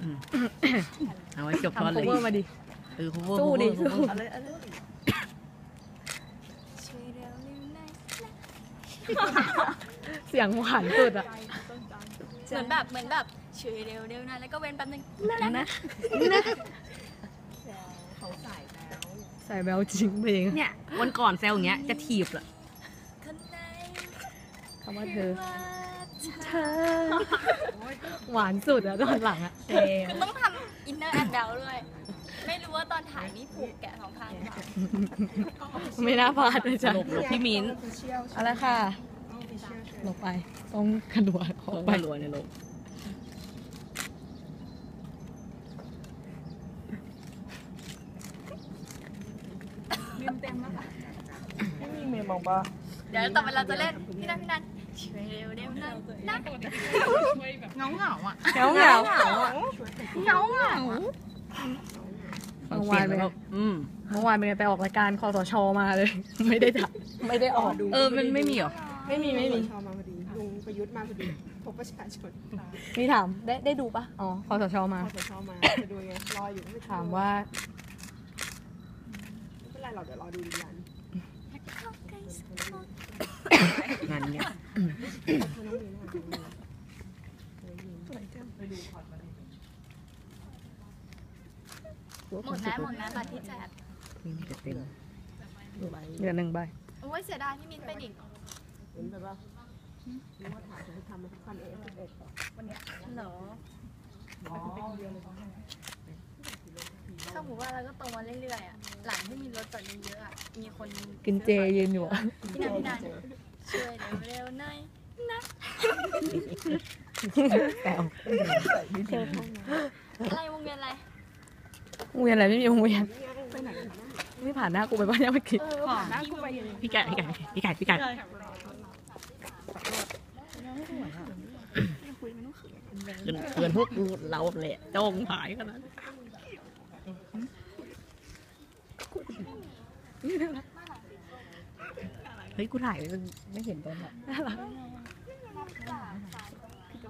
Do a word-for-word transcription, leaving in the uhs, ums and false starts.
เอาไว้จบตอนเลยทำ cover มาดิเออ cover สู้ดิ cover สู้ cover เสียงหวานสุดอ่ะเหมือนแบบเหมือนแบบช่วยเร็วเร็วนะแล้วก็เว้นแป๊บนึงนะนะใส่แบลจริงเพลงเนี่ยวันก่อนแซวอย่างเงี้ยจะถีบเหรอคนไหนคำว่าเธอว่าเธอ หวานสุดอะตอนหลังอะเซคือต้องทำอินเนอร์แอนด์แบลด้วย ไม่รู้ว่าตอนถ่ายนี่ผูกแกะสองข้างหรือเปล่าไม่น่าพลาดเลยจ้ะหลบหลบพี่มิ้นเอาละค่ะหลบไปต้องกระโดดอต้ออก งไปไปรัวในโลกเดี๋ยวต่อไปเราจะเล่นพี่นันพี่นันช่วยเร็วเร็วนะนะเงาเงาอ่ะเหงาเหงาเหงาเหงาเมื่อวานไปอืมเมื่อวานไปไปออกรายการคอสชมาเลย ไม่ได้ถ่ายไม่ได้ออกเออมันไม่มีเหรอไม่มีไม่มีชอมาพอดีลุงประยุทธ์มาพอดีพบประชาชนมีถามได้ได้ดูปะอ๋อคอสชมาพอชอมาจะดูไงรออยู่ไม่ถามว่าไม่เป็นไรหรอกเดี๋ยวรอดูดีกันงานเนี้ยหมดแล้วหมดแล้วบัตรที่แจกมีแต่เต็มเหลือหนึ่งใบโอ้ยเสียดายพี่มินไปดิเห็นแบบว่ารู้ว่าถามจะทำมาทุกคันเอฟเอ็ดเหรอถ้าผมว่าเราก็โตมาเรื่อยๆอ่ะหลังที่มีรถจอดเยอะๆอ่ะมีคนกินเจยืนอยู่อะพี่นันพี่นันช่วยเร็วๆหน่อยนะแซวอะไรวงเวียนอะไรวงเวียนอะไรไม่มีวงเวียนไม่ผ่านหน้ากูไปบ้านยังไม่คิดพี่ไก่พี่ไก่พี่ไก่พี่ไก่เกินเกินพวกเราแหละจ้องหายขนาดเฮ้ยกูถ่ายไม่เห็นตอนไหนน่ารัก